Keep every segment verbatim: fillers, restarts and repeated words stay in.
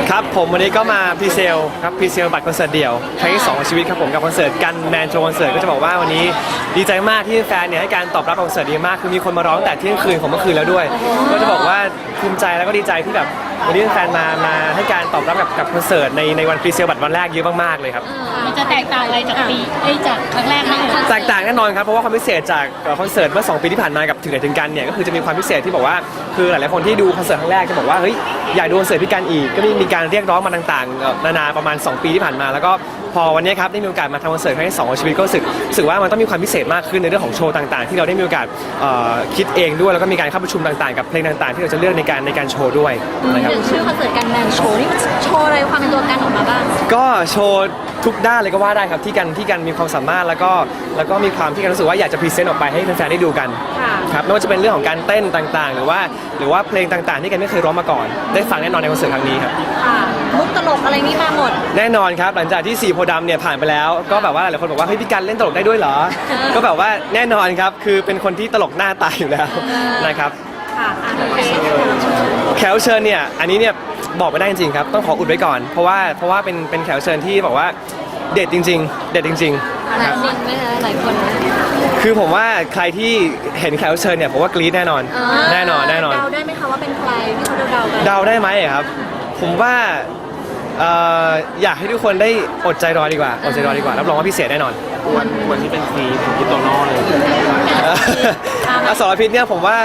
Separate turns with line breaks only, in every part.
ครับผมวันนี้ก็มาพรีเซลครับพรีเซลบัตรคอนเสิร์ตเดี่ยวครั้งที่สองของชีวิตครับผมกับคอนเสิร์ตกันแมนโชว์คอนเสิร์ตก็จะบอกว่าวันนี้ดีใจมากที่แฟนเนี่ยให้การตอบรับคอนเสิร์ตดีมากคือมีคนมาร้องแต่เที่ยงคืนของเมื่อคืนแล้วด้วยก็จะบอกว่าภูมิใจแล้วก็ดีใจที่แบบวันนี้แฟนมามาให้การตอบรับกับกับคอนเสิร์ตในในวันพรีเซลบัตรวันแรกเยอะมากๆเลยครับ
มันจะแตกต่างอะไรจากปีไอ้จากครั้งแรกไหม
แตกต่างแน่นอนครับเพราะว่าความพิเศษจากคอนเสิร์ตเมื่อสองปีที่ผ่านมากับถึงไหนถึงกันเนี่ยก็คือจะมีความพิเศษที่บอกว่าคือหลายๆคนที่ดูคอนเสิร์ตครั้งแรกจะบอกว่าเฮ้ยอยากดูคอนเสิร์ตพี่กันอีกก็มีการเรียกร้องมาต่างๆนานาประมาณสองปีที่ผ่านมาแล้วก็พอวันนี้ครับได้มีโอกาสมาทำคอนเสิร์ตครั้งที่สองของชีวิตก็รู้สึกรู้สึกว่ามันต้องมีความพิเศษมากขึ้นในเรื่องของโชว์ต่างๆที่เราได้มีโอกาสคิดเองด้วยแล้วก็มีการเข้าประชุมต่างๆกับเพลงต่างๆที่เราจะเลือกในการในการโชว์ด้วยนะครับ
ชื่อคอนเสิร์ตกันแมนโชว์นี่มันโชว์อะไรความเป็นตัวกันออกมาบ้าง
ก็โชว์ทุกด้านเลยก็ว่าได้ครับที่กันที่กันมีความสามารถแล้วก็แล้วก็มีความที่กันรู้สึกว่าอยากจะพรีเซนต์ออกไปให้แฟนๆได้ดูกันครับไม่ว่าจะเป็นเรื่องของการเต้นต่างๆหรือว่าหรือว่าเพลงต่างๆที่กันไม่เคยร้องมาก่อนได้ฟังแน่นอนในคอนเสิร์ตครั้งนี้ครับ
มุกตลกอะไรนี่มาหมด
แน่นอนครับหลังจากที่สี่โพธิ์ดำเนี่ยผ่านไปแล้วก็แบบว่าหลายคนบอกว่าเฮ้ยพี่กันเล่นตลกได้ด้วยเหรอก็แบบว่าแน่นอนครับคือเป็นคนที่ตลกหน้าตายอยู่แล้วนะครับแขกเชิญเนี่ยอันนี้เนี่ยบอกไม่ได้จริงๆครับต้องขออุดไว้ก่อนเพราะว่าเพราะว่าเป็นเป็นแขกเชิญที่บอกว่าเด็ดจริงๆเด็ดจริง
ๆหลายคนไหมคะหลายคน
คือผมว่าใครที่เห็นแขกเชิญเนี่ยผมว่ากรี๊ดแน่นอนแน่นอนแน่นอน
เดาได้ไหมคะว่าเป็นใครที่เขาเดากัน
เดาได้ไหมครับผมว่าอยากให้ทุกคนได้อดใจรอดีกว่าอดใจรอดีกว่ารับรองว่าพิเศษแน่นอน
วันวันที่เป็นซีเป็นคิโตโน่เลย
อสรพิษเนี่ยผมว่า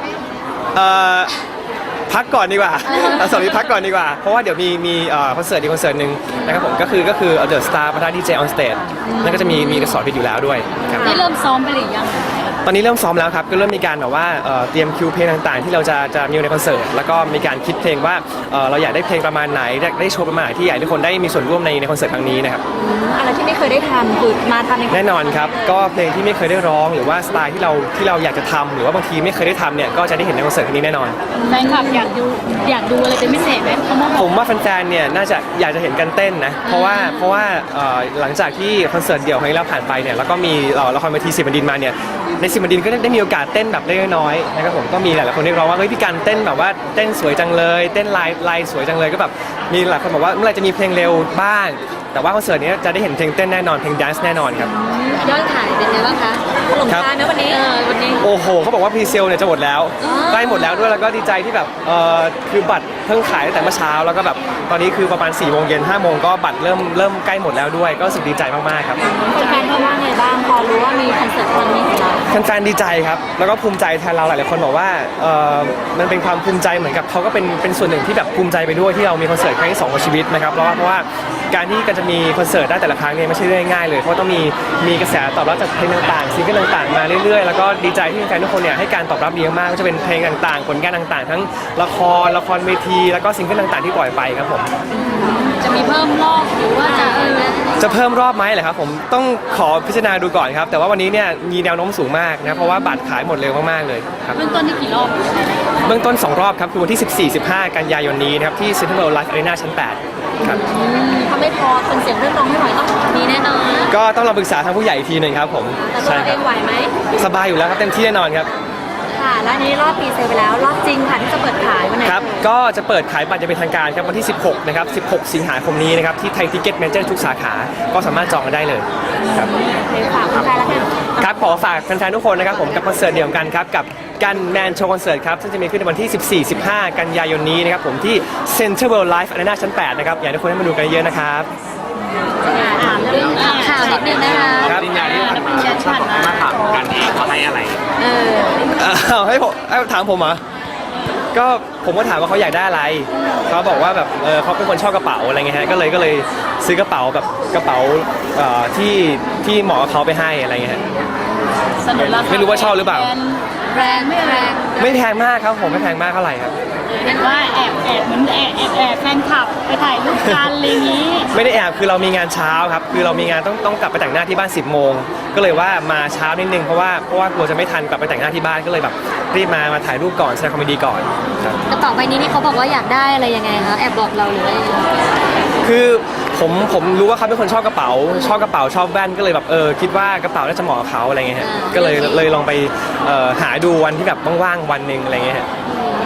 พักก่อนดีกว่าอสรพิษพักก่อนดีกว่าเพราะว่าเดี๋ยวมีมีคอนเสิร์ตอีกคอนเสิร์ตหนึ่งนะครับผมก็คือก็คือเดอะสตาร์ประธานดีเจออนสเตจนั่นก็จะมีมีอสรพิษอยู่แล้วด้วย
ได้เริ่มซ้อมไปหรือยัง
ตอนนี้เริ่มซ้อมแล้วครับก็เริ่มมีการแบบว่าเตรียมคิวเพลงต่างๆที่เราจะจะมีในคอนเสิร์ตแล้วก็มีการคิดเพลงว่าเราอยากได้เพลงประมาณไหนได้โชว์ประมาณไหนที่อยากให้ทุกคนได้มีส่วนร่วมในในคอนเสิร์ตครั้งนี้นะครับ
อะไรที่ไม่เคยได้ทำคือมาทำใน
แน่นอนครับก็เพลงที่ไม่เคยได้ร้องหรือว่าสไตล์ที่เราที่เราอยากจะทำหรือว่าบางทีไม่เคยได้ทำเนี่ยก็จะได้เห็นในคอนเสิร์ตครั้งนี้แน่นอน
แฟนคลับอยากดูอยากดูอะไรเป็นพิเศษไหม
ผมว่าแฟนๆเนี่ยน่าจะอยากจะเห็นกันเต้นนะเพราะว่าเพราะว่าหลังจากที่คอนเสิร์ตเดี่ยวครั้งนี้เราผ่านไปเนี่ยแล้วก็มีละครเวทีสิบบันดินมาเนี่ยในสิบบันดินก็ได้มีโอกาสเต้นแบบเล็กน้อยนะครับผมก็มีหลายๆคนเรียกร้องว่าเฮ้ยพี่กันเต้นแบบว่าเต้นสวยจังเลยเต้นลายลายสวยจังเลยก็แบบมีหลายคนบอกว่าเมื่อไหร่จะมีเพลงเร็วบ้างแต่ว่าคอนเสิร์ตนี้จะได้เห็นเพลงเต้นแน่นอนเพลงแดนซ์แน่นอนครับ
ยอดขายเป็นไงบ้างคะหลงทางนะวันนี้วันนี้
โอ้โหเขาบอกว่าพรีเซลเนี่ยจะหมดแล้วใกล้หมดแล้วด้วยแล้วก็ดีใจที่แบบเออคือบัตรเพิ่งขายตั้งแต่เมื่อเช้าแล้วก็แบบตอนนี้คือประมาณสี่โมงเย็นห้าโมงก็บัตรเริ่มเริ่มใกล้หมดแล้วด้วยก็รู้สึกดีใจมากๆครับ
แฟนๆเขาว่าไงบ้างพอรู้ว่ามีคอนเสิร์ตครั้งนี้ของเรา
แฟนๆดีใจครับแล้วก็ภูมิใจแทนเราหลายๆคนบอกว่าเออมันเป็นความภูมิใจเหมือนกับเขาก็เป็นเป็นส่วนหนึ่งที่แบบภูมิใจไปด้วยที่เรามีคอนเสิร์ตครั้งที่สองของชีวิตนะครับเพราะว่าเพราะว่าการที่กันจะมีคอนเสิร์ตได้แต่ละครั้งเนี่ยไม่ใช่เรื่องง่ายเลยเพราะต้องมีมีกระแสตอบรับจากเพลงต่างๆซิงเกิลต่างๆมาเรื่อยๆแล้วก็ดีใจที่แฟนๆทุกคนเนี่ยให้การตอบรับดีมากก็จะเป็นเพลงต่างๆผลงานต่างๆทั้งละครละครเวทีแล้วก็ซิงเกิลต่างๆที่ปล่อยไปครับผม
จะมีเพิ่มรอบหรือว่าจะ
จะเพิ่มรอบไหมเหรอครับผมต้องขอพิจารณาดูก่อนครับแต่ว่าวันนี้เนี่ยมีแนวโน้มสูงมากนะเพราะว่าบัตรขายหมดเร็วมากๆเลยครับ
เบื้องต้นที่กี่รอบ
เบื้องต้นสองรอบครับคือวันที่สิบสี่ สิบห้ากันยายนนี้นะครับที่ Central World Life Arena ชั้นแปดครับ
ถ้าไม่พอคนเสียงเรื่องร้องไม่ไหวต้องมีแน่นอน
ก็ต้องเราปรึกษาทางผู้ใหญ่อีกทีหนึ่งครับผม
ใช่ครับไหวไหม
สบายอยู่แล้วครับเต็มที่แน่นอนครับ
ค่ะและนี้รอบปีเซลไปแล้วรอบจริงค่ะที่จะเปิดขายวันไหน
ครับก็จะเปิดขายบัตรจะเป็นทางการครับวันที่สิบหกนะครับสิบหกสิงหาคมนี้นะครับที่ไทยทิกเก็ตเมเจอร์ทุกสาขาก็สามารถจองกันได้เลยครับ
ฝากแฟนๆแล้วกัน
ครับขอฝากแฟนๆทุกคนนะครับผมกับคอนเสิร์ตเดี่ยวกันครับกับกันแมนโชว์คอนเสิร์ตครับซึ่งจะมีขึ้นในวันที่สิบสี่ สิบห้ากันยายนนี้นะครับผมที่ Central World Life Arena ชั้นแปดนะครับอยากให้ทุกคนได้มาดูกันเยอะนะครับ
เรื่องข่าวนิดนึงนะคะ
ครับปริญญาที่ผ่านมามาถามกันเองเขาให้อะไร
เอ
อให้ผมให้ถามผมเหรอก็ผมก็ถามว่าเขาอยากได้อะไรเขาบอกว่าแบบเออเขาเป็นคนชอบกระเป๋าอะไรเงี้ยฮะก็เลยก็เลยซื้อกระเป๋าแบบกระเป๋าที่ที่เหมาะกับเขาไปให้อะไรเงี้ยฮะไม่รู้ว่าชอบหรือเปล่า
แรงไม่แรง
ไม่แพงมากครับผมไม่แพงมากเท่าไหร่ครับ
เห็นว่าแอบแอบเหมือนแอบแอบแอบแฟนคลับไปถ่ายรูปกันอะไรนี้
ไม่ได้แอบคือเรามีงานเช้าครับคือเรามีงานต้องต้องกลับไปแต่งหน้าที่บ้านสิบโมงก็เลยว่ามาเช้านิดนึงเพราะว่าเพราะว่ากลัวจะไม่ทันกลับไปแต่งหน้าที่บ้านก็เลยแบบรีบมามาถ่ายรูปก่อนแสดงความยินดีก่อน
กระเป๋าใบนี้นี่เขาบอกว่าอยากได้อะไรยังไงคะแอบบอกเราหรือว่า
คือผมผมรู้ว่าเขาเป็นคนชอบกระเป๋าชอบกระเป๋าชอบแว่นก็เลยแบบเออคิดว่ากระเป๋าน่าจะเหมาะกับเขาอะไรเงี้ยฮะก็เลยเลยลองไปหาดูวันที่แบบว่างๆวันหนึ่งอะไรเงี้ยฮะ
ก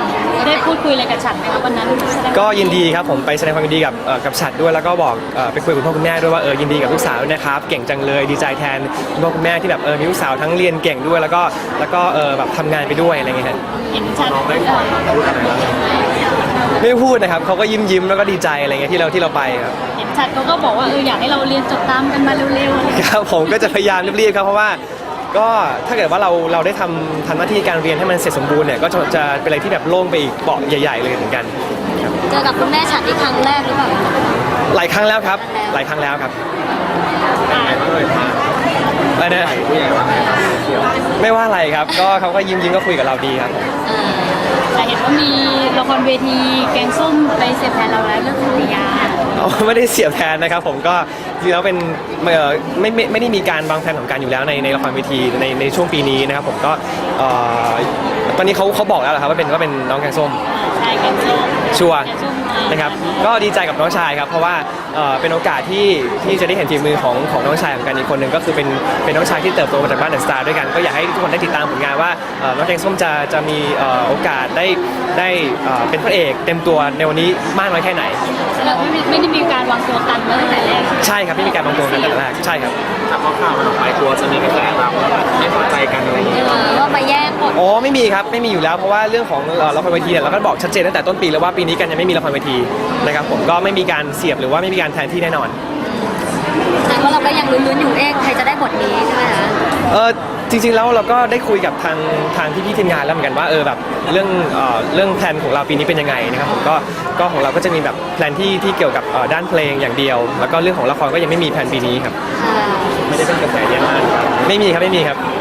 ได้พูดคุยอะไรกับฉันไหมครับวันนั้นแสดง
ก็ยินดีครับผมไปแสดงความยินดีกับเอ่อกับฉัดด้วยแล้วก็บอกเอ่อไปคุยกับคุณพ่อคุณแม่ด้วยว่าเออยินดีกับลูกสาวด้วยนะครับเก่งจังเลยดีใจแทนคุณพ่อคุณแม่ที่แบบเออมีลูกสาวทั้งเรียนเก่งด้วยแล้วก็แล้วก็เออแบบทำงานไปด้วยอะไรเงี้ยฮะ
เห็นฉันเออ
ไม่พูดนะครับเขาก็ยิ้มยิ้มแล้วก็ดีใจอะไรเงี้ยที่เราที่เราไปครับ
เห็นฉันเขาก็บอกว่าเอออยากให้เราเรียนจบตามกันมาเร็วๆ
ครับผมก็จะพยายามรีบๆครับเพราะว่าก็ถ้าเกิดว่าเราเราได้ทำทำหน้าที่การเรียนให้มันเสร็จสมบูรณ์เนี่ยก็จะจะเป็นอะไรที่แบบโล่งไปอีกเปาะใหญ่ๆเลยเหมือนกันครับ
เจอกับคุณแม่ฉันที่ครั้งแรกหรือเปล่า
หลายครั้งแล้วครับหลายครั้งแล้วครับอะไรนะไม่ว่าอะไรครับก็เขาก็ยิ้มยิ้มก็คุยกับเราดีครับผม
แต่เห็นว่ามีละครเวทีแกงส้มไปเสียบแทนเราแล้วเรื่องสุริยา
เอาไม่ได้เสียบแทนนะครับผมก็จริงๆแล้วเป็นเอ่อไม่ไม่ไม่ได้มีการวางแผนของการอยู่แล้วในในละครเวทีในในช่วงปีนี้นะครับผมก็เอ่อตอนนี้เขาเขาบอกแล้วเหรอครับว่าเป็นว่าเป็นน้องแกงส้ม
ใช่แกงส้ม
ชัวร์
แกงส้มมา
นะครับก็ดีใจกับน้องชายครับเพราะว่าเอ่อเป็นโอกาสที่ที่จะได้เห็นฝีมือของของน้องชายของกันอีกคนหนึ่งก็คือเป็นเป็นน้องชายที่เติบโตมาจากบ้านเดอะสตาร์ด้วยกันก็อยากให้ทุกคนได้ติดตามผลงานว่าเอ่อน้องแกงส้มจะจะมีเอ่อโอกาสได้ได้เอ่อเป็นพระเอกเต็มตัวในวันนี้มากน้อยแค่ไหน
เราไม่มีไม่ได้มีการวางตัวกันมาตั้งแต่แรก
ใช่ครับไม่มีการวางตัวกันตั้งแต่แรกใช่ครับ
แต่พอข่าวมันออกไปกลัวจะมีกระแสแบบไม่พอใจกันอะไรอย่างเงี้ย
เออว่ามาแย่งบท
อ๋อไม่มีครับไม่มีอยู่แล้วเพราะว่าเรื่องของเอ่อละครเวทีเนี่ยเราก็บอกชัดเจนตั้งแต่ต้นปีแล้วว่าปีนี้กันยังไม่มีละครเวทีนะครับผมก็ไม่มีการเสียบหรือว่าไม่มีการแทนที่แน่นอน
แต่ว่าเราก็ยังลุ้นๆอยู่เอ๊ะใครจะได้บทนี้ใช่ไหมคะ
เออจริงๆแล้วเราก็ได้คุยกับทางทางพี่ๆทีมงานแล้วเหมือนกันว่าเออแบบเรื่องเอ่อเรื่องแพลนของเราปีนี้เป็นยังไงนะครับผมก็ก็ของเราก็จะมีแบบแพลนที่ที่เกี่ยวกับเอ่อด้านเพลงอย่างเดียว แล้วก็เรื่องของละครก็ยังไม่มีแพลนปีนี้ครับ
ค่ะ
ไม่ได้เป็นกระแสเยอะมากไม่มีครับไม่มีครับ